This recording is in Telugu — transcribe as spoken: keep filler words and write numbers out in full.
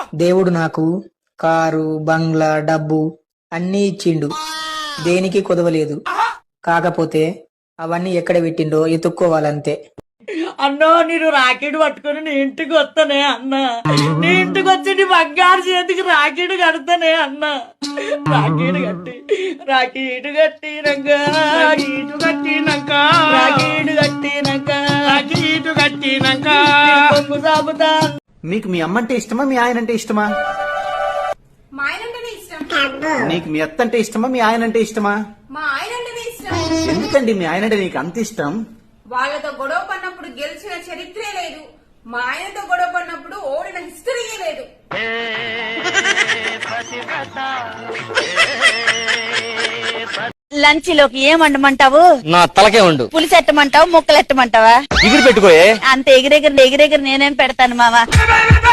దేవుడు నాకు కారు, బంగ్లా, డబ్బు అన్నీ ఇచ్చిండు, దేనికి కొదవలేదు. కాకపోతే అవన్నీ ఎక్కడ పెట్టిండో ఎత్తుక్కోవాలంతే. అన్నో నేను రాకెట్ పట్టుకుని నీ ఇంటికి వస్తానే అన్న. నీ ఇంటికి వచ్చి నీ బంగారు చేతికి రాకెట్ కడతానే అన్న. రాకెట్ కట్టి రాకెట్ కట్టినాక రాకెట్ కట్టినాక రాకెట్ కట్టినాక రాకెట్ కట్టినాక కొంగు సాగుతా. మీకు మీ అమ్మంటే ఇష్టమా, మీ ఆయన అంటే ఇష్టమా? మా ఆయన అంటేనే ఇష్టం. నీకు మీ అత్త అంటే ఇష్టమా, మీ ఆయన అంటే ఇష్టమా? మా ఆయన అంటేనే ఇష్టం. ఎందుకండి మీ ఆయన అంటే నీకు అంత ఇష్టం? వాళ్ళతో గొడవ పడినప్పుడు గెలిచిన చరిత్రే లేదు. మా ఆయనతో గొడవ పడినప్పుడు ఓడిన హిస్టరీయే లేదు. లంచ్ లోకి ఏం వండమంటావు? నా తలకే ఉండు. పులుసు ఎట్టమంటావు, ముక్కలు ఎట్టమంటావా? ఎగిరి పెట్టుకోయే. అంత ఎగిరెగిరి ఎగిరెగిరి నేనేం పెడతాను మావా.